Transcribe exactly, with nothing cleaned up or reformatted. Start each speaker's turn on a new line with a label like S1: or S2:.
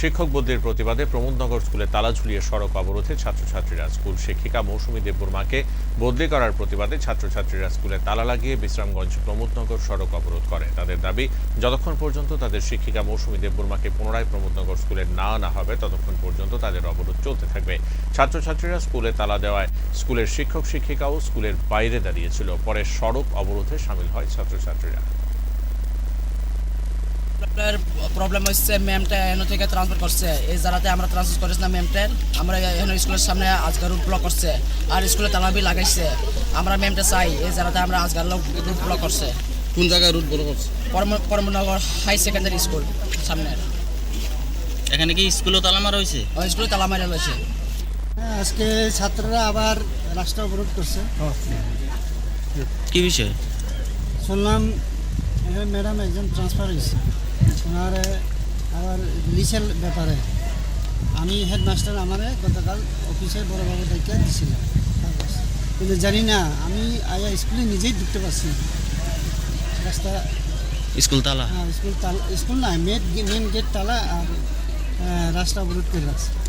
S1: শিক্ষক বদলির প্রতিবাদে প্রমোদনগর স্কুলে তালা ঝুলিয়ে সড়ক অবরোধে ছাত্রছাত্রীরা। স্কুল শিক্ষিকা মৌসুমী দেববর্মাকে বদলি করার প্রতিবাদে ছাত্রছাত্রীরা স্কুলে তালা লাগিয়ে বিশ্রামগঞ্জ প্রমোদনগর সড়ক অবরোধ করে। তাদের দাবি, যতক্ষণ পর্যন্ত তাদের শিক্ষিকা মৌসুমী দেববর্মাকে পুনরায় প্রমোদনগর স্কুলে না আনা হবে ততক্ষণ পর্যন্ত তাদের অবরোধ চলতে থাকবে। ছাত্রছাত্রীরা স্কুলে তালা দেওয়ায় স্কুলের শিক্ষক শিক্ষিকাও স্কুলের বাইরে দাঁড়িয়েছিল। পরে সড়ক অবরোধে সামিল হয় ছাত্রছাত্রীরা।
S2: প্রবলেম হচ্ছে ম্যামটা এখান থেকে ট্রান্সফার করছে, এই জায়গাতে আমরা ট্রান্সফার করেছি না ম্যামটা। আমরা এখানে স্কুলের সামনে আজকাল রুট ব্লক করছে আর স্কুলে তালাবি লাগাইছে। আমরা ম্যামটা চাই, এই জায়গাতে আমরা আজকাল রুট ব্লক করছে।
S3: কোন জায়গায় রুট ব্লক করছে?
S2: পরমনগর হাই সেকেন্ডারি স্কুল সামনে।
S4: এখানে কি স্কুলও তালা মারা হয়েছে?
S2: স্কুলে তালা মারা রয়েছে।
S5: আজকে ছাত্ররা আবার রাস্তা অবরোধ করছে।
S4: কি বিষয়?
S5: শুনলাম ম্যাডাম একজন ট্রান্সফার হয়েছে, ওনার আবার লিসের ব্যাপারে। আমি হেডমাস্টার আমারে গতকাল অফিসে বড়োবাবু দায়িত্ব দিয়েছিলাম, কিন্তু জানি না, আমি আয়া স্কুলে নিজেই ঢুকতে পারছি না। রাস্তা
S4: স্কুল তালা?
S5: হ্যাঁ, স্কুল তালা, স্কুল না, মেন মেন গেট তালা আর রাস্তা অবরোধ করে রাখছে।